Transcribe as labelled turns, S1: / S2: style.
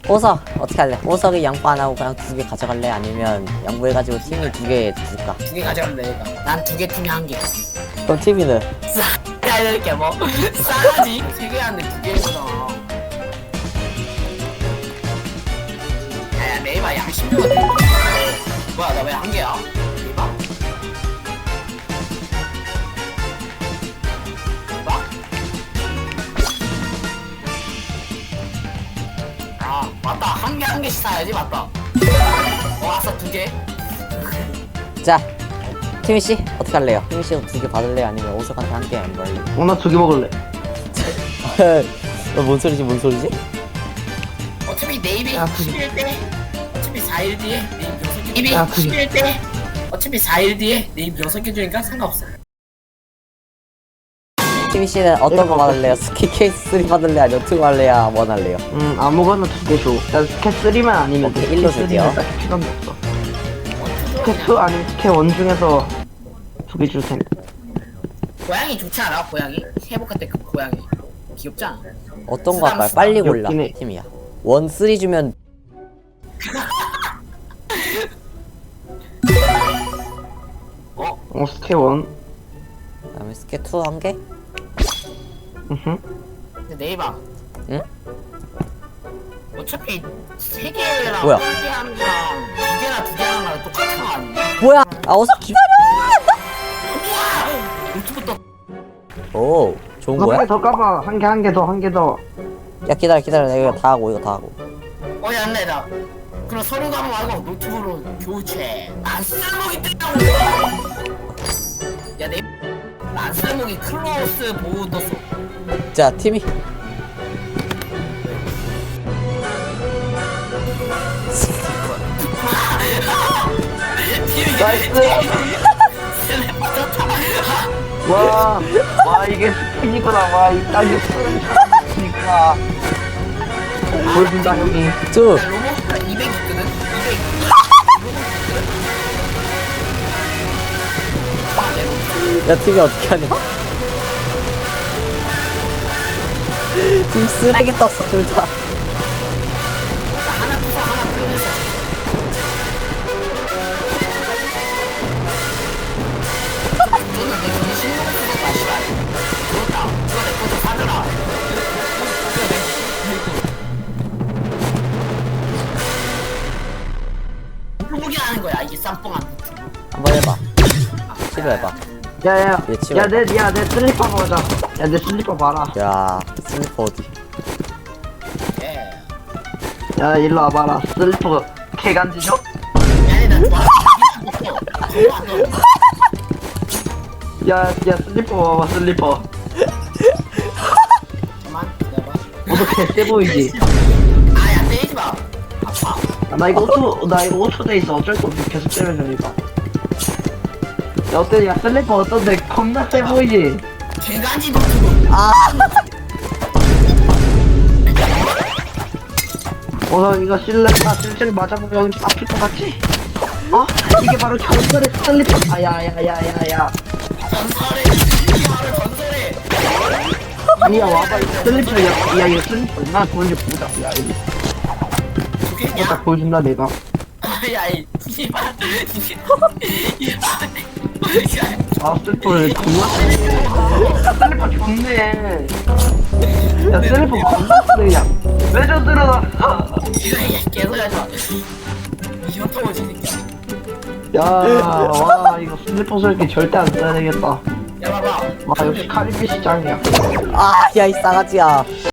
S1: 보석 어떻게 할래? 보석이 양보 안 하고 그냥 2개 가져갈래? 아니면 양보해가지고 팀이 2개 줄까?
S2: 2개 가져갈래 내가. 난 2개 팀이 1개.
S1: 그럼 팀이는?
S2: 싸야 이렇게 뭐 싸가지? 3개 하는데 2개구나. 야 네이버 양심도 같아. 뭐야 나 왜 1개야? 네이버? 네이버? 아 맞다 1개씩 사야지 맞다. 왔어 2개.
S1: 자 티미씨 어떻게 할래요? 티미씨도 2개 받을래요? 아니면 오석한테 1개 안 받을래요?
S3: 나 2개 먹을래.
S1: 뭔 소리지 뭔 소리지?
S2: 어차피 네이비
S3: 야,
S2: 11일 때 어차피 4일 뒤에 네이비 6개 네이비
S3: 야,
S2: 11일 때 어차피 4일 뒤에 네이비 6개 주니까 상관없어.
S1: 티미씨는 어떤 거 받을래요? 스키 케이스 3 받을래? 아니면 2 할래요? 1 할래요?
S3: 아무거나 2개 줘. 난 스캐 3만 아니면 돼.
S1: 오케이, 일로
S3: 스캐
S1: 줄게요.
S3: 3는 딱히 필요는 없어. 스캐 2 아니면 스캐 1 중에서 2개 줄 테니까.
S2: 고양이 좋지 않아? 고양이? 회복할 때 그 고양이 귀엽지 않아?
S1: 어떤 거 할까요? 빨리 골라
S3: 귀엽긴 해.
S1: 팀이야 1, 3 주면
S3: 스캐 1.
S1: 그다음에 스케 2 1개?
S2: 근데 네이버
S1: 응?
S2: 어차피 3개랑
S1: 뭐야?
S2: 1개 하는 거랑 2개나 2개 하는 거랑 똑같은 거 아니야?
S1: 뭐야? 아 오석 기다려!
S2: 유튜브 또
S1: 오 좋은 거야?
S3: 한개 더 까봐. 한 개 더.
S1: 야 기다려 내가 이거 다 하고 이거 다 하고
S2: 어이 안 내다. 그럼 서류 가방 말고 노트북으로 교체. 안 쓸모기 뜬다고. 야 네. 안 쓸모기 클로스 보호 떴어.
S1: 자 팀이
S3: 나이스. 와 이게 스킨이구나. 와 이 딱이 스킨이구나. 보여준다 형이.
S1: 2
S2: 나 로봇가 200 있거든. 200.
S1: 야 팀이 어떻게 하냐? 팀 쓰레기 떴어 둘다
S2: 하나 부숴 하나 부숴. 너는 내 돈이 신경 쓰고 마시라. 그렇다. 그거 내 것도 사줘라. 로봇이 하는 거야 이게 쌈뽕한.
S1: 한번 해봐 시도해봐
S3: 야야
S1: 얘 치워.
S3: 내 슬리퍼 보자. 야 내 슬리퍼 봐라.
S1: 야 슬리퍼 어디
S2: 예.
S3: 야 일로 와봐라. 슬리퍼 개간지죠?
S2: 아니 나 좋아.
S3: 야 슬리퍼 봐봐 슬리퍼.
S2: 잠깐만 기다려봐.
S3: 어떻게 세 보이지?
S2: 아야 때리지 마. 아파.
S3: 나 이거 5초 돼 있어. 어쩔 수 없이 계속 때려줘 이거. 야 어때? 야 슬리퍼 어떤데? 겁나 세 보이지?
S2: 개간지 노트북.
S3: 이거 실실 맞아보면 아플 것 같지? 이게 바로 전설의 슬리퍼. 야야야야야.
S2: 전설의 이게 바로 전설의.
S3: 아니야 와봐 이거 슬리퍼. 야 이거 슬리퍼 나 보여줘 보자. 야 이거
S2: 좋겠냐?
S3: 딱 보여준다 내가.
S2: 아야 이 씨발.
S3: 슬리퍼를 존나 슬리퍼 좋네. 야 슬리퍼 겁나 쓰레기야. 왜 저 들어가?
S2: 계속 하지 마. 이현타고 지새끼야.
S3: 와 이거 슬리퍼 설기 절대 안 써야 되겠다.
S2: 야 봐봐.
S3: 와 역시 카리비 시장이야.
S1: 아 야 이 싸가지야